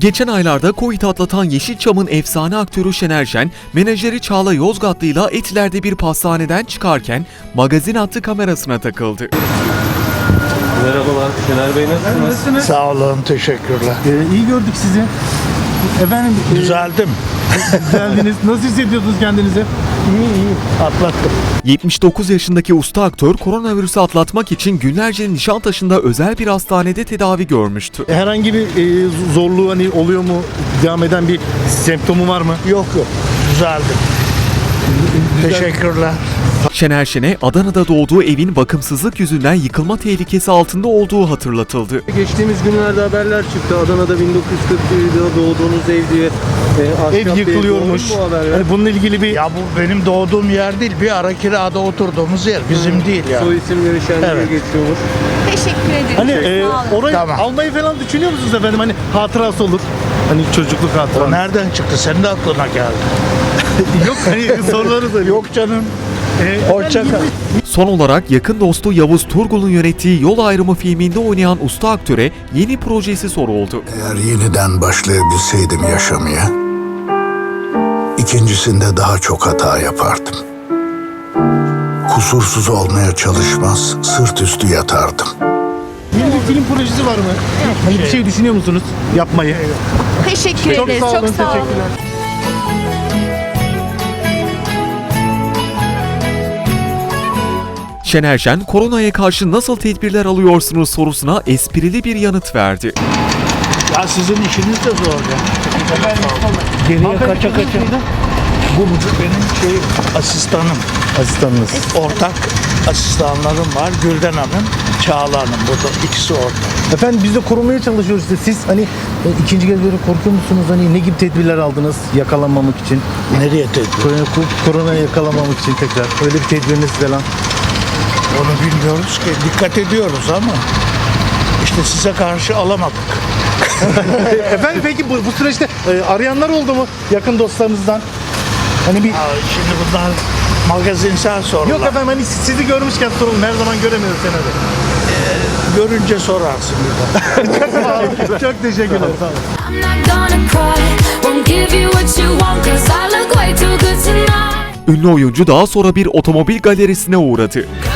Geçen aylarda Covid atlatan Yeşilçam'ın efsane aktörü Şener Şen, menajeri Çağla Yozgatlı'yla Etiler'de bir pastaneden çıkarken magazin hattı kamerasına takıldı. Merhabalar Şener Bey, nasılsınız? Sağ olun, teşekkürler. İyi gördük sizi. Efendim Düzeldim. geldiniz. Nasıl hissediyorsunuz kendinizi? İyi, atlattım. 79 yaşındaki usta aktör koronavirüsü atlatmak için günlerce Nişantaşı'nda özel bir hastanede tedavi görmüştü. Herhangi bir zorluğu hani oluyor mu? Devam eden bir semptomu var mı? Yok, düzeldim. Teşekkürler. Şener Şen'e Adana'da doğduğu evin bakımsızlık yüzünden yıkılma tehlikesi altında olduğu hatırlatıldı. Geçtiğimiz günlerde haberler çıktı. Adana'da 1941'de doğduğunuz ev diye. Ev yıkılıyormuş. Bu haberler. Hani bununla ilgili bir Ya bu benim doğduğum yer değil, bir ara kirada oturduğumuz yer. Bizim değil ya. Soy isimleri Şen diye Evet. geçiyormuş. Teşekkür ederim. hani Sağ olun. orayı Tamam. almayı falan düşünüyor musunuz efendim? Hani hatırası olur. Hani çocukluk O hatırası. nereden çıktı? Senin de aklına geldi. Yok hani soruları soruyor. Yok canım. Hoşça kal. Son olarak yakın dostu Yavuz Turgul'un yönettiği Yol Ayrımı filminde oynayan usta aktöre yeni projesi soruldu. Eğer yeniden başlayabilseydim yaşamaya, ikincisinde daha çok hata yapardım. Kusursuz olmaya çalışmaz, sırt üstü yatardım. Yeni bir film projesi var mı? Hani bir şey düşünüyor musunuz yapmayı? Teşekkür Çok ederiz. sağ olun, Çok sağ olun. teşekkürler. Şener Şen, koronaya karşı nasıl tedbirler alıyorsunuz sorusuna esprili bir yanıt verdi. Ya sizin işiniz de zor ya. Geriye kaça. Bu benim asistanım. Asistanınız. Ortak asistanlarım var. Gülden Hanım, Çağla Hanım. Burada ikisi ortak. Efendim biz de korumaya çalışıyoruz işte. Siz hani ikinci kez böyle korkuyor musunuz? Hani ne gibi tedbirler aldınız yakalanmamak için? Nereye tedbir? Korona yakalanmamak için tekrar. Öyle bir tedbiriniz falan. Onu bilmiyoruz ki. Dikkat ediyoruz ama işte size karşı alamadık. Efendim peki bu süreçte arayanlar oldu mu yakın dostlarınızdan? Hani bir... Şimdi bunlar magazinsel sorular. Yok efendim hani sizi görmüşken sorun her zaman göremiyoruz seni de. Görünce sorarsın bir de. Çok teşekkürler. Sağ olun. I'm not gonna cry, won't give you what you want, 'cause I look way too good tonight. Ünlü oyuncu daha sonra bir otomobil galerisine uğradı.